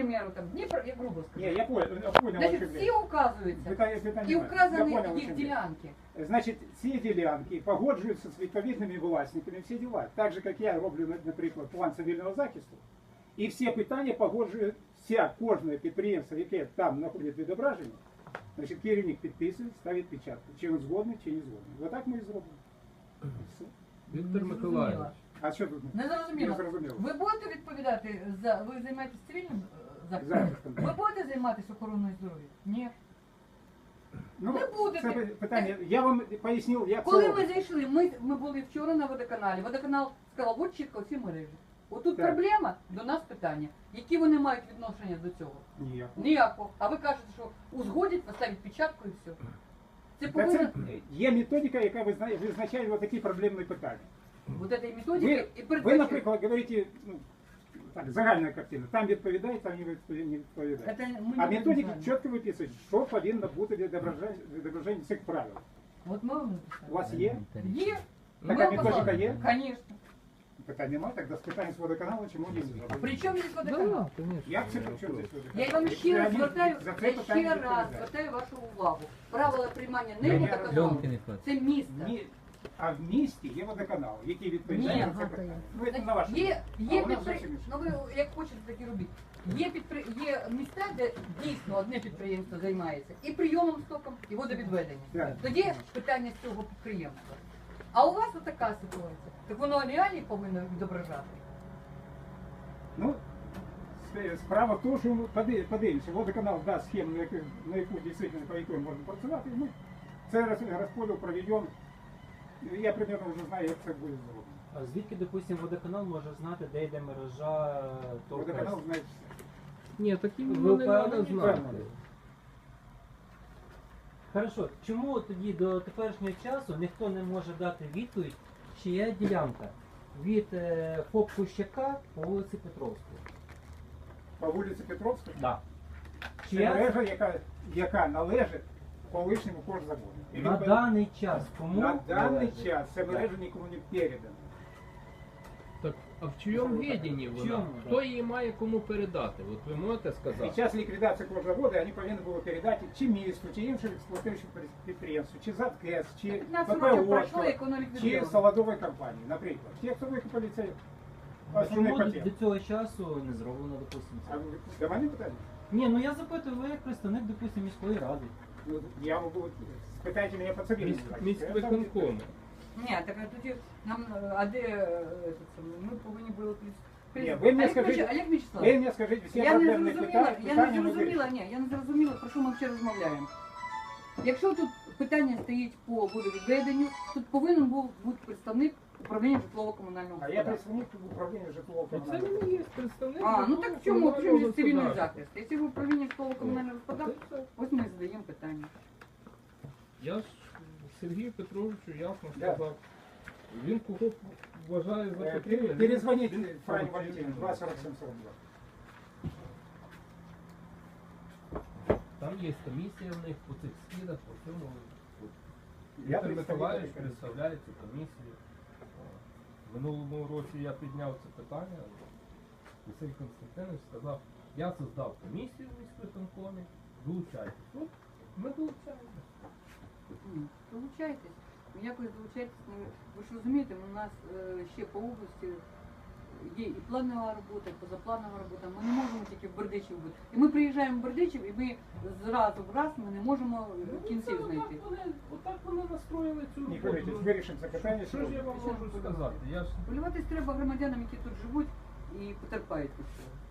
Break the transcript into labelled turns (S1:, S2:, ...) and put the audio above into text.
S1: примеру, там, Дніпро, я грубо скажу.
S2: Не, я понял,
S1: Значить, всі указуються і вказані їх ділянки.
S2: Значить, ці ділянки погоджуються з відповідними власниками, всі діла. Так же, як я роблю, наприклад, план цивільного захисту, і всі питання погоджує кожне підприємство, яке там знаходить відображення, значить, керівник підписує, ставить печатку. Чи він згодний, чи не згодний. Отак ми і зробимо. Все.
S3: Віктор Миколаївич.
S2: А що тут?
S1: Не зрозуміло. Ви будете відповідати за... Ви займаєтесь цивільним захистом? Ви будете займатися охороною здоров'я? Ні.
S2: Ну,
S1: не будете.
S2: Це питання. Я вам пояснив, як
S1: Коли
S2: це
S1: ми
S2: робиться.
S1: зайшли, ми були вчора на водоканалі. Водоканал сказав, от чітко всі мережі. Отут
S2: Так.
S1: проблема, до нас питання. Які вони мають відношення до цього?
S2: Ніякого.
S1: Ніякого. А ви кажете, що узгодять, поставить печатку і все. Це
S2: Та
S1: повинно...
S2: це є методика, яка визначає такі проблемні питання.
S1: Вот этой методики і
S2: Ви,
S1: передбачує.
S2: наприклад, говорите, ну, так, загальна картина. Там відповідає, там не відповідає. А методики чітко виписують, що повинно бути відображення цих правил.
S1: Вот ми вам
S2: У вас є?
S1: Є.
S2: Така методика є?
S1: Конечно.
S2: Питань немає, тоді спитаємо з водоканалу, чому не зробили.
S1: Причому здесь водоканал?
S2: Як це при чому здесь водоканал?
S1: Я вам ще раз звертаю,
S2: За це
S1: я
S2: питання
S1: ще раз
S2: відповідає.
S1: звертаю вашу увагу. Правила приймання
S2: Ні,
S1: не
S2: ні,
S1: водоканалу,
S3: Льонки не хватить.
S1: це місто.
S2: Ні. А в місті є водоканал, який відповідає
S1: Ні.
S2: на це питання. Ну, це на ваше.
S1: Є
S2: А у нас зовсім
S1: підприємства,
S2: інше.
S1: ну ви як хочете, так і робіть. Є міста, де дійсно одне підприємство займається і прийомом стоком, і водовідведенням.
S2: Так.
S1: Тоді питання з цього підприємства. А у вас така ситуація. Так воно реально повинно відображати.
S2: Ну, справа в тому, що ми подивимося, водоканал дасть схему, на яку дійсно, по якій можна працювати, і ми це розподіл проведемо. Я примерно вже знаю, як це буде зроблено.
S4: А звідки, допустимо, водоканал може знати, де йде мережа
S2: Водоканал знає все.
S3: Ні, такі
S4: Ви
S3: не треба
S4: впевнені?
S3: знати.
S4: Хорошо, чому тоді до теперішнього часу ніхто не може дати відповідь, чия ділянка від ФОП Кущака по вулиці Петровської?
S2: По вулиці Петровська?
S4: Да.
S2: Це мережа, яка належить колишньому кожзаводу. І
S4: На даний час кому
S2: на даний
S4: належить?
S2: час ця мережа нікому не передана.
S3: Так, а в чийому віданні вона?
S4: чому,
S3: Хто
S4: да?
S3: її має кому передати? От ви можете сказати?
S2: Під час ліквідації кожзаводу вони повинні були передати чи місту, чи іншим експлуатуючим підприємству, чи ЗАТКЕС, чи
S1: 15 років
S2: ППО,
S1: пройшло, як воно
S2: чи
S1: ліквідовано.
S2: солодової компанії, наприклад. Ті, хто викупили цей основний
S4: Чому
S2: пакет.
S4: до цього часу не зроблено, допустимо,
S2: А
S4: це?
S2: ви до мене питання?
S4: Ні, ну я запитую, ви як представник, допустимо, міської ради.
S2: Ну, я можу, спитайте мене по цивільному.
S3: Міськвиконкому.
S1: Ні, так тоді нам, а де ми повинні були
S2: Ні, ви мені скажіть,
S1: Олег
S2: ви
S1: Вячеславович,
S2: мені скажіть всі
S1: я не
S2: проблемні
S1: зрозуміла,
S2: питання ми вирішимо.
S1: я не зрозуміла, про що ми ще розмовляємо. Якщо тут питання стоїть по водовідведенню, тут повинен був бути представник управління житлово-комунального
S2: А я
S1: господарства.
S2: представник управління житлового
S3: Це
S2: комунального.
S3: не є представник.
S1: А, ну так в чому
S3: житлово-комунального
S1: цивільний
S3: господарства.
S1: захист? Якщо в управлінні житлово-комунального господарства, ось ми задаємо питання.
S3: Я ж Сергію Петровичу ясно
S2: Да.
S3: сказав. Він кого вважає за потрібне.
S2: Перезвоніть Франі Валентині, 24742.
S3: Там є комісія в них по цих скидах, по цьому.
S2: Я
S3: Віктор
S2: представник
S3: Миколаївич
S2: комісії.
S3: представляє цю комісію. В минулому році я підняв це питання. Василь Константинович сказав, я создав комісію в міськвиконкомі, долучайтесь. Ну, ми долучаємося.
S1: Долучайтесь. Якось долучайтесь. Ви ж розумієте, у нас ще по області є і планова робота, і позапланова робота. Ми не можемо тільки в Бердичів бути. І ми приїжджаємо в Бердичів, і ми зразу в раз ми не можемо кінців знайти.
S3: Отак вони настроїли цю
S2: Не
S3: роботу.
S2: говорите, вирішимо це питання.
S3: Що ж я вам можу сказати? Я ж
S1: Полюватись треба громадянам, які тут живуть і потерпають від цього.